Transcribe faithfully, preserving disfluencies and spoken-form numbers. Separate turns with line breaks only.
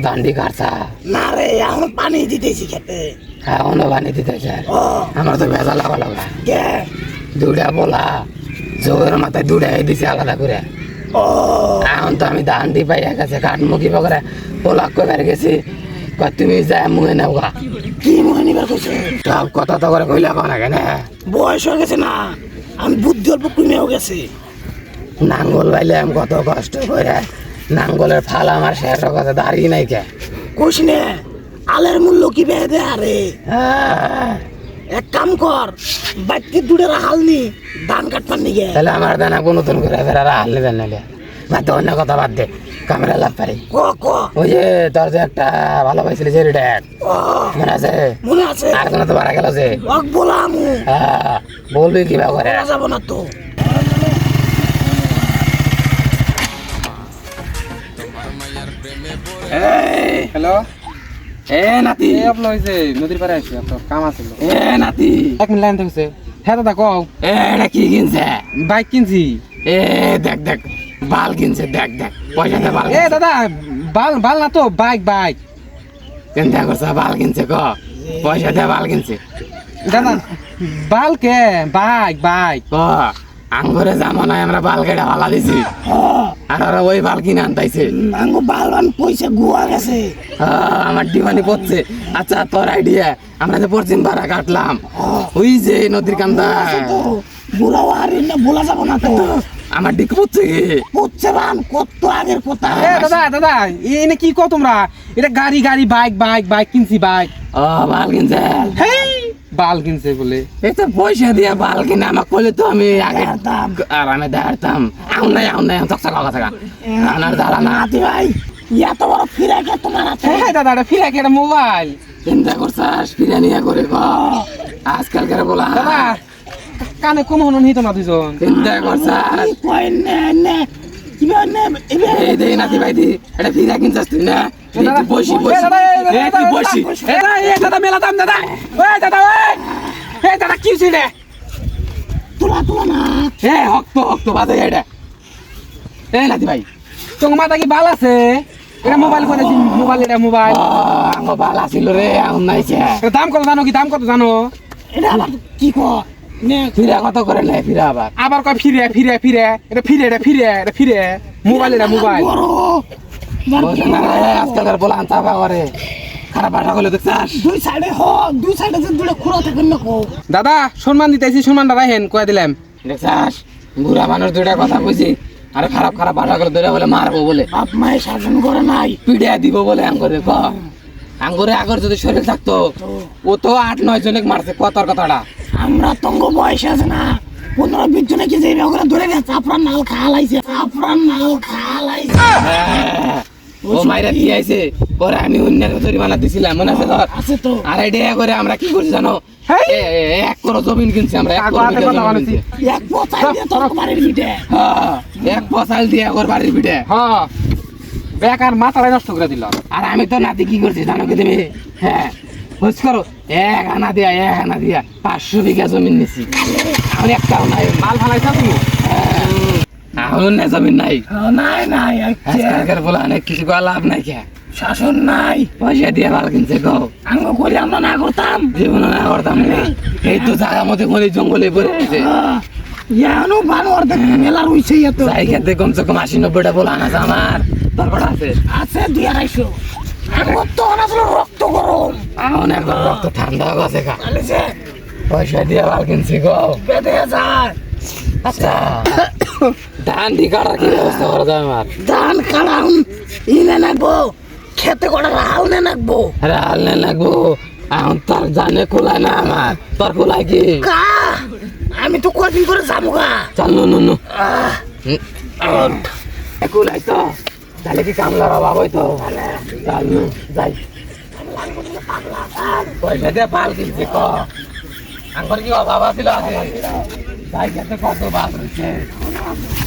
দান্ডি কাটছা
না রে এখন পানি দিতেছি খেতে
এখনো পানি দিতেছে আমার তো ভেজা লাগা লাগা
কে
দুটা বলা জোরের মাথায় দুটাই দিছে আলাদা করে
ও
এখন তো আমি দান্ডি পাইয়া গেছে কাঠমুখি পকরে পোলাক করে গেছি কয় তুমি যায় মুহে নেও গা
কি মনে নিবার কইছে
সব কথা তো করে কইলা না কেন
বয়স হয়ে গেছে না আমি বুদ্ধি অল্প কমেও গেছে
নাঙ্গল বাইলে আমি কত কষ্ট করে নাঙ্গলের ফাল আমার শেষ কথা দাঁড়িয়ে নাই কে
কইস নে আলের মূল্য কি বেয়ে দে আরে এক কাম কর বাইতে দুধের হাল নি ধান কাটবার নিগে
তাহলে আমার দানা কোনো নতুন করে ফেরা হারলে দেন নাইলে বাদ দে অন্য কথা বাদ দে ক্যামেরা লাভ পারি
ক ক
ওই যে তোর যে একটা ভালো পাইছিলি যে রিডাক মনে আছে
মনে আছে
আর কোনো তো মারা গেল যে
ওক বলামু
হ্যাঁ বলবি কিবা করে
করা যাব না তো
হ্যালো
এ নাতি
এই আপনার হয়েছে নদীর পাড়ে আছে আপনার কাম আছে
এ নাতি
এক মিনিট লাইন থাকছে হ্যাঁ দাদা কও
এ এটা কি কিনছে
বাইক কিনছি
এ দেখ দেখ বাল কিনছে দেখ দেখ পয়সা দে বাল
এ দাদা বাল বাল না তো বাইক বাইক
চিন্তা করছে বাল কিনছে ক পয়সা দে বাল কিনছে
দাদা বাল কে বাইক বাইক
ক আঙ্গুরে জামানায় আমরা বাল কেটে ভালা দিছি আর ওরা ওই বাল কিনে আনতাইছে
আঙ্গো বালবান পয়সা গুয়া গেছে
আহ, আমার ডিমান্ডি পড়ছে আচ্ছা তোর আইডিয়া আমরা যে পশ্চিম পাড়া কাটলাম ওই যে নদীর কান্দা
তো বুলাও আরে না বলা যাব না তো
আমার ডিক পড়ছে কি
হচ্ছে বান কত আগের কথা
এ দাদা দাদা এনে কি কও তোমরা এটা গাড়ি গাড়ি বাইক বাইক বাইক কিনছি বাইক
ও বাল কিনছে
হেই বাল কিনছে বলে
এই তো পয়সা দিয়ে বাল কিনে আমাকে কইলে তো আমি আগে
দাঁড়তাম।
আর আমি দাঁড়তাম আউন নাই আউন নাই চকচক লাগা থাকা আনার দাঁড়া না
নাতি ভাই ইয়া তো বড় ফিরে গে তোমার আছে
হ্যাঁ দাদা এটা ফিরে একটা মোবাইল
চিন্তা করছাস ফিরে নিয়ে করে ক আজকালকার বলা
দাদা কানে কম হনো নিত না দুজন
চিন্তা করছাস
কি কই নে নে কিবা নে এবে
এই দে নাতি ভাই দি এটা ফিরে কিনছাস তুই না এই তুই বসি বসি এই তুই বসি
এ দাদা এ দাদা মেলা দাম দাদা ওই দাদা ওই এ দাদা কি হইছে রে
তোলা তোলা না
এ হক্ত হক্ত বাজে এটা এই নাতি ভাই
তোমার মাথা কি বাল আছে এটা মোবাইল করে মোবাইল এটা মোবাইল
আমার বাল আসিল রে আউন নাইছে
এটা দাম কত জানো কি দাম কত জানো
এটা আবার কি ক নে
ফিরে কত করে নেয় ফিরে আবার
আবার কয় ফিরে ফিরে ফিরে এটা ফিরে এটা ফিরে এটা ফিরে মোবাইল এটা মোবাইল
বড়
বুঝলি না রে, আজকালকার বলা চাপা করে খারাপ ভাষা করলে দেখছাস
দুই সাইডে হ দুই সাইডে যে দুটো খুঁড়া থাকে না কো
দাদা সম্মান দিতেছি সম্মানটা রাখেন কয়ে দিলাম
দেখছাস বুড়া মানুষ দুইটা কথা কইছি আর খারাপ খারাপ ভাষা করে ধরে বলে মারবো বলে
বাপ মায়ের শাসন করে নাই
পিড়ে দিব বলে আঙ্গুরে ক আঙ্গুরে আগর যদি শরীর থাকতো ও তো আট নয় জনকে মারছে কতর কথাটা
আমরা তঙ্গ বয়স আছে না পনেরো বিশ জনে কি যে করে ধরে গেছে চাপড়ার নাল খালাইছে চাপড়ার নাল খালাইছে
হ্যাঁ, ও মাইরা দিয়ে আইছে পরে আমি অন্যের তৈরি বানা দিছিলাম মনে আছে তোর
আছে তো
আর এটা করে আমরা কি করছি জানো
হেই!
এ- এ- এ- এক করো জমিন কিনছি আমরা এক
কাকু
করো
হাতে
বিঘা
কথা
জমিন
বানাইছি।
কিনছি।
এক বছর দিয়ে তোর বাড়ির ভিটে
হ্যাঁ, এক পশাল দিয়ে একবার বাড়ির পিঠে
হ্যাঁ বেকার মাথাটাই নষ্ট করে দিল
আর আমি তো নাতি কি করছি জানো কি তুমি হ্যাঁ বুঝ করো এক আনা দিয়া এক আনা দিয়া পাঁচশো বিঘা জমিন নিছি আমি একটাও নাই
মাল ফালাইছ তুমি
এখন না জমিন নাই
নাই নাই
আজকালকার বলা অনেক কিছু করা লাভ নাই কে
শাসন নাই
পয়সা দিয়ে ভালো কিনছে গো
আঙ্গ করে আমরা না করতাম
জীবনে না করতাম না এই তো জায়গা মধ্যে কোনো জঙ্গলে পড়ে আছে
ইয়ানো বানর দেখ মেলা রইছে এত
যাই খেতে কমসে কম আশি নব্বইটা বলা আনা আছে আমার তারপর আছে
আছে দুই আড়াইশো আমার তো আসলে রক্ত গরম
এখন একবার রক্ত ঠান্ডা গেছে খা
আলেছে
পয়সা দিয়ে ভালো কিনছি গো
বেঁধে যায়
আচ্ছা ধান দি কাটার কি ব্যবস্থা করা যায় আমার
ধান কাড়াম ইনে নাকবো খেতে কটা হাল নে নাকবো
আরে হাল নে লাগবো এখন তার জানে খোলায় না আমার তোর খোলায় কি
কা আমি তো কদিন করে যাবো গা
চল নু নু নু
আহ,
খোলাই তো তাহলে কি কামলার অভাব হইতো চল নু যাই পয়সা দিয়ে পাল কিনছি ক আঙ্কর কি অভাব আছিল আগে যাই খেতে কত বাদ রয়েছে